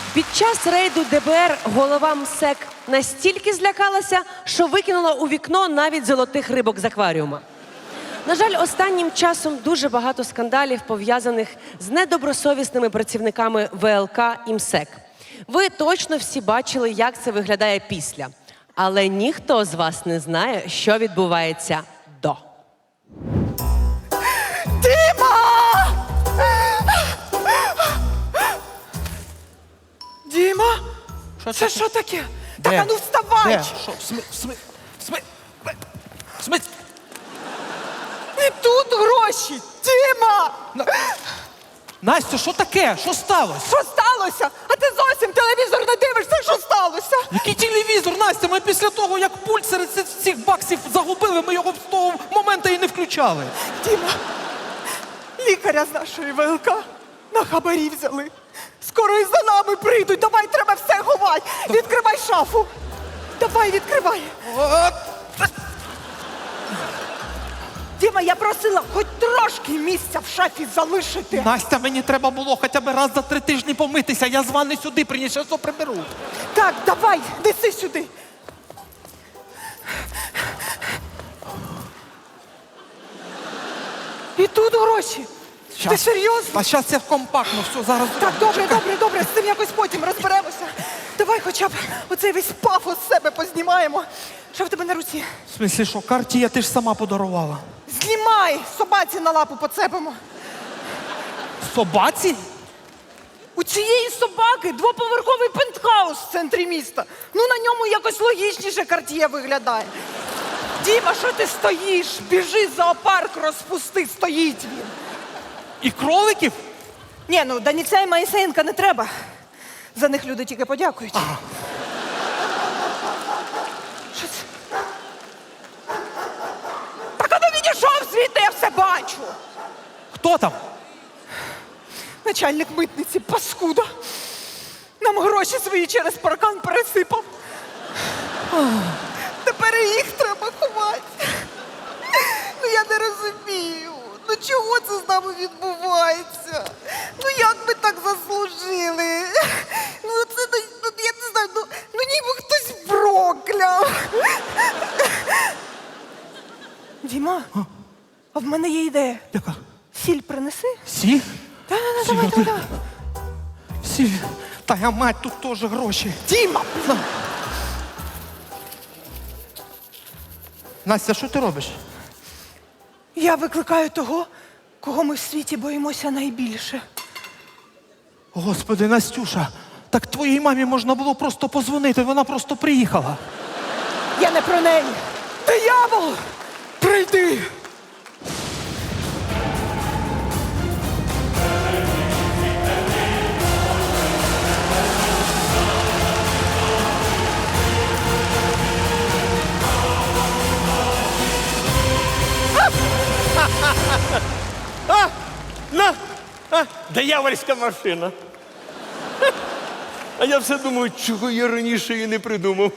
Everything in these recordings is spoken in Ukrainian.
Під час рейду ДБР голова МСЕК настільки злякалася, що викинула у вікно навіть золотих рибок з акваріума. На жаль, останнім часом дуже багато скандалів, пов'язаних з недобросовісними працівниками ВЛК і МСЕК. Ви точно всі бачили, як це виглядає після. Але ніхто з вас не знає, що відбувається до. Діма! Діма? Це що таке? Так, а ну вставай! Де? Що? Смить? І тут гроші! Діма! Настя, що таке? Що сталося? Що сталося? А ти зовсім телевізор не дивишся, що сталося? Який телевізор, Настя? Ми після того, як пульт серед цих баксів загубили, ми його з того моменту і не включали. Діма, лікаря з нашої ВЛК на хабарі взяли. Скоро і за нами прийдуть. Давай, треба все ховати. Відкривай шафу. Давай, відкривай. Діма, я просила хоч трошки місця в шафі залишити. Настя, мені треба було хоча б раз за 3 тижні помитися. Я з ванни сюди приніс, я все приберу. Так, давай, неси сюди. І тут гроші. Ти серйозно? А зараз це компактно, все, зараз. Так, добре, з цим якось потім розберемося. Давай хоча б оцей весь пафос з себе познімаємо. Що в тебе на руці? В смислі, що, Картія ти ж сама подарувала. Знімай! Собаці на лапу поцепимо. Собаці? У цієї собаки двоповерховий пентхаус в центрі міста. Ну, на ньому якось логічніше Карт'є виглядає. Діма, що ти стоїш? Біжи, зоопарк розпусти, стоїть він. І кроликів? Ні, ну Даніця і Моїсеєнка не треба. За них люди тільки подякують. Ага. Що це? Так а ну відійшов звідти, я все бачу. Хто там? Начальник митниці, паскуда. Нам гроші свої через паркан пересипав. Тепер і їх треба ховати. Ну я не розумію. Ну чого це з нами відбувається? Ну як ми так заслужили? Ну це, ну, я не знаю, ну ніби хтось прокляв. Діма, а в мене є ідея. Яка? Сіль принеси. Сіль? Давай. Сіль. Та я мать, тут теж гроші. Діма! Настя, що ти робиш? Я викликаю того, кого ми в світі боїмося найбільше. Господи, Настюша, так твоїй мамі можна було просто позвонити, вона просто приїхала. Я не про неї. Диявол! Прийди! Диявольська машина. А я все думаю, чого я раніше її не придумав.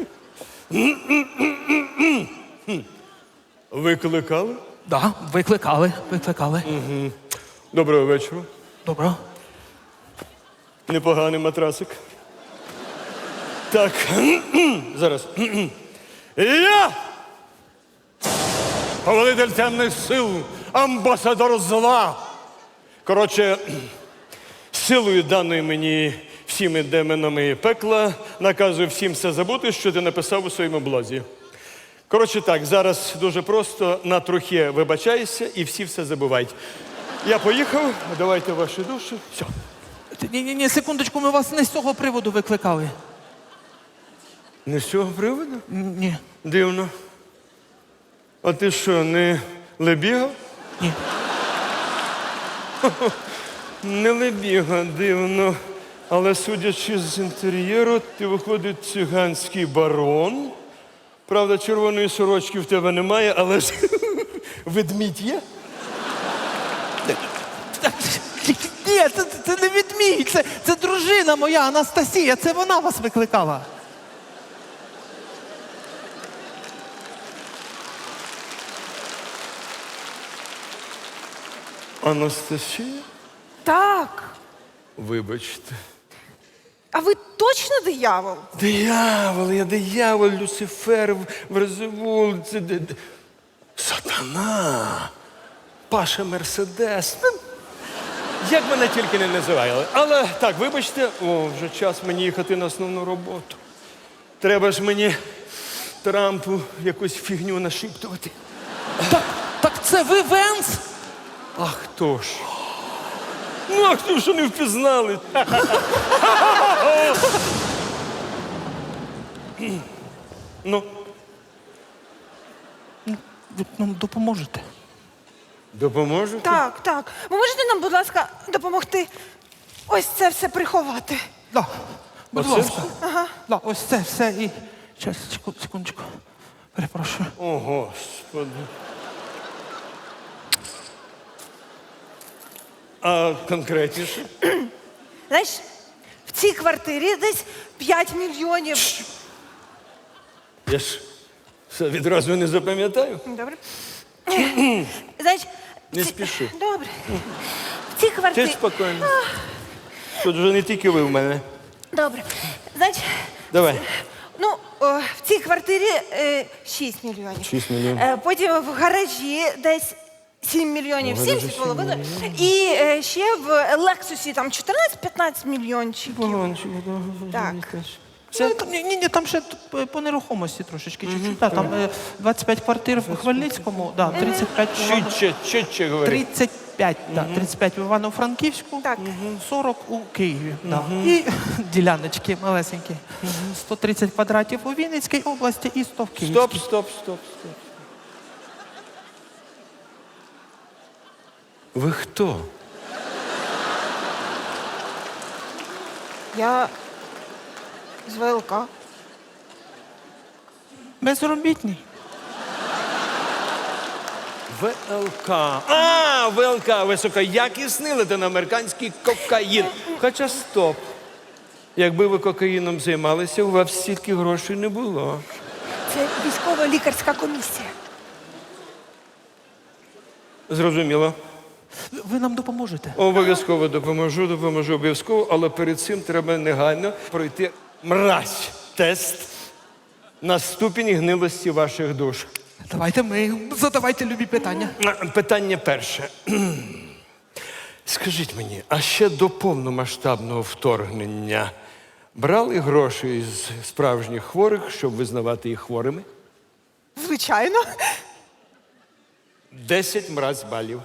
Викликали? Да, викликали. Доброго вечора. Добре. Непоганий матрасик. Так, зараз. Я! Повелитель темних сил, амбасадор зла. Коротше, силою даною мені всіми демонами пекла наказую всім все забути, що ти написав у своєму блозі. Коротше так, зараз дуже просто на трохи вибачайся і всі все забувають. Я поїхав, давайте ваші душі. Все. Ні, секундочку, ми вас не з цього приводу викликали. Не з цього приводу? Ні. Дивно. А ти що, не Лебіга? Ні. Не Лебіга, дивно. Але судячи з інтер'єру, ти виходить циганський барон. Правда, червоної сорочки в тебе немає, але ж ведмідь є? Ні, це не відмій, це дружина моя, Анастасія, це вона вас викликала. Анастасія? Так. Вибачте. А ви точно диявол? Диявол, я диявол, Люцифер, Верзевул, це сатана, Паша Мерседес. Ну, як мене тільки не називали. Але так, вибачте, вже час мені їхати на основну роботу. Треба ж мені Трампу якусь фігню нашіптувати. Так це ви Венс? А хто ж? Ну, а хто ж не впізнали? Ну, Ви нам допоможете? допоможете? Так. Ви можете нам, будь ласка, допомогти ось це все приховати? Да. Будь Оце ласка. все? Ага. Да, ось це все і. Щас, секундочку. Перепрошую. О, Господи. А конкретніше? Знаєш, в цій квартирі десь 5 мільйонів. Я ж все відразу не запам'ятаю. Добре. Знаєш, Не спіши. Добре. В цій Ти квартирі. спокійно. Тут вже не тільки ви в мене. Добре. Знаєш, Давай. ну, в цій квартирі 6 мільйонів. 6 мільйонів. Потім в гаражі десь 7 мільйонів, В гаражі 7,5. І ще в Лексусі там 14-15 мільйончиків. Так. Ні, там ще по нерухомості трошечки, чуть-чуть. Да, там 25 квартир в Хмельницькому, да, 35 в Чуть-чуть говори. 35, да, 35 в Івано-Франківську, Так. 40 у Києві. Да. І діляночки малесенькі. 130 квадратів у Вінницькій області і 100 в Київській. Стоп. Ви хто? Я з ВЛК. Безробітний. ВЛК. ВЛК, високоякісний латиноамериканський кокаїн. Хоча стоп. Якби ви кокаїном займалися, у вас стільки грошей не було. Це військово-лікарська комісія. Зрозуміло. Ви нам допоможете? Обов'язково допоможу обов'язково, але перед цим треба негайно пройти тест на ступінь гнилості ваших душ. Задавайте любі питання. Питання перше. Скажіть мені, а ще до повномасштабного вторгнення брали гроші з справжніх хворих, щоб визнавати їх хворими? Звичайно. 10 мразь балів.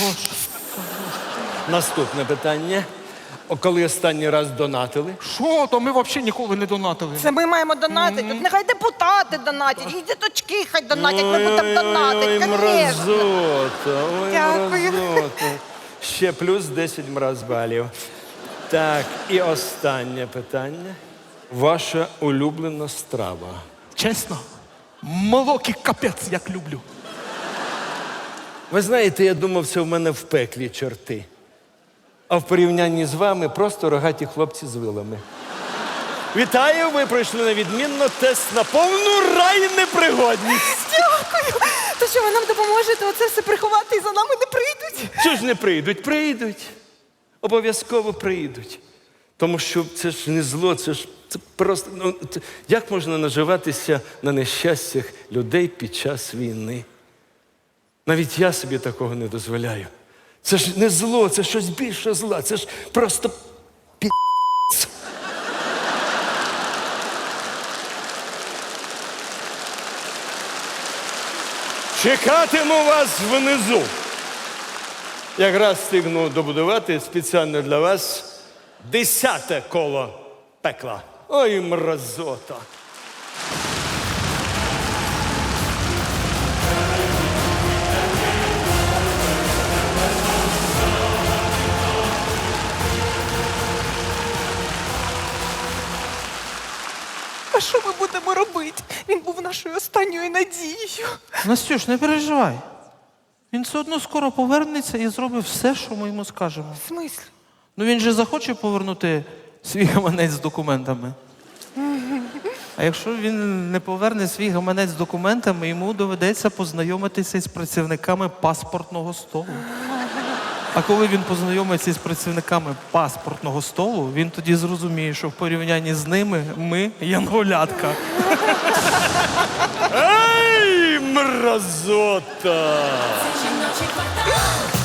Наступне питання. Коли останній раз донатили? Що? То ми взагалі ніколи не донатили. Це ми маємо донатити. От нехай депутати донатять, і діточки хай донатять, ми будемо донатити, Ой, звісно. мразота, ой, Дякую. мразота. Ще плюс 10 мраз балів. Так, і останнє питання. Ваша улюблена страва. Чесно, молоки капець, як люблю. Ви знаєте, я думав, це в мене в пеклі чорти. А в порівнянні з вами просто рогаті хлопці з вилами. Вітаю, ви пройшли на відмінно тест на повну райнепригодність. Дякую. То що, ви нам допоможете оце все приховати і за нами не прийдуть? Чого ж не прийдуть? Прийдуть. Обов'язково прийдуть. Тому що це ж не зло, це просто. Як можна наживатися на нещастях людей під час війни? Навіть я собі такого не дозволяю. Це ж не зло, це щось більше зла, це ж просто пі***ць. Чекатиму вас внизу. Якраз встигну добудувати спеціально для вас 10-те коло пекла. Ой, мразота. А що ми будемо робити? Він був нашою останньою надією. Настюш, не переживай. Він все одно скоро повернеться і зробить все, що ми йому скажемо. В смислі? Ну він же захоче повернути свій гаманець з документами. А якщо він не поверне свій гаманець з документами, йому доведеться познайомитися з працівниками паспортного столу. А коли він познайомиться з працівниками паспортного столу, він тоді зрозуміє, що в порівнянні з ними ми янголятка. Ей, мразота! Жіночий квартал.